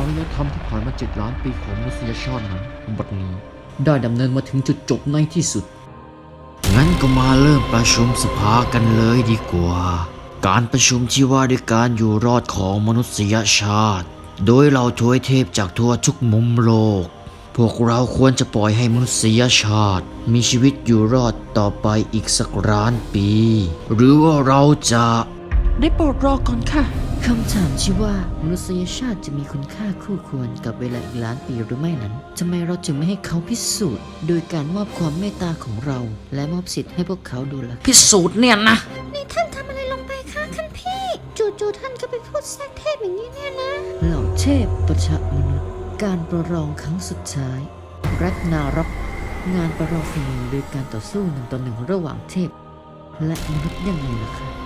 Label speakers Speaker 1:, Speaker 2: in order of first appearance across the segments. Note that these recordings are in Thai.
Speaker 1: ารยธรรมที่ผ่านมา7 ล้านปีของมนุษยชาตินั้นบัดนี้ได้ดำเนินมาถึงจุดจบในที่สุดงั้นก็มาเริ่มประชุมสภากันเลยดีกว่าการประชุมที่ว่าด้วยการอยู่รอดของมนุษยชาติโดยเราทวยเทพจากทั่วทุกมุมโลกพวกเราควรจะปล่อยให้มนุษยชาติมีชีวิตอยู่รอดต่อไปอีกสักล้านปีหรือว่าเราจะได้โปรดรอก่อนค่ะคำถามที่ว่ามนุษยชาติจะมีคุณค่าคู่ควรกับเวลาอีกล้านปีหรือไม่นั้นทำไมเราจึงไม่ให้เขาพิสูจน์โดยการมอบความเมตตาของเราและมอบสิทธิ์ให้พวกเขาดูล่ะพิสูจน์เนี่ยนะ
Speaker 2: นี่ท่านทำอะไรลงไปคะท่านพี่จู่ๆท่านก็ไปพูดแทรกเทพอย่างนี้เนี่ยนะ
Speaker 1: เหล่าเทพประชามนุษย์การประลองครั้งสุดท้ายรัตนารับงานประลองฝีมือโดยการต่อสู้1 ต่อ 1ระหว่างเทพและมนุษย์ยังไงล่ะคะ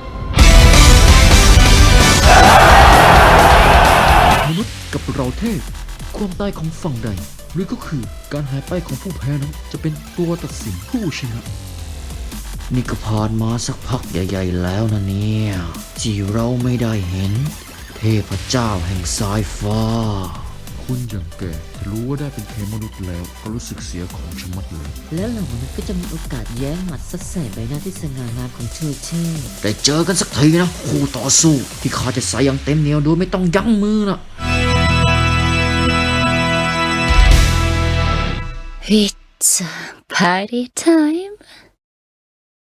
Speaker 1: มนุษย์กับเราเทพความตายของฝั่งใดหรือก็คือการหายไปของผู้แพ้นั้นจะเป็นตัวตัดสินผู้ชนะนี่ก็ผ่านมาสักพักใหญ่ๆแล้วนะเนี่ยที่เราไม่ได้เห็นเทพเจ้าแห่งสายฟ้าคุณอย่างแกถ้ารู้ว่าได้เป็นเทพมนุษย์แล้วก็รู้สึกเสียของชะมัดเลยแล้วเหล่ามนุษย์ก็จะมีโอกาสแย้งหมัดซัดใส่ใบหน้าที่สง่างามของเธอเช่ได้เจอกันสักทีนะคู่ต่อสู้ที่ข้าจะใส่อย่างเต็มเหนียวโดยไม่ต้องยั้งมือนะ
Speaker 2: Pizza party time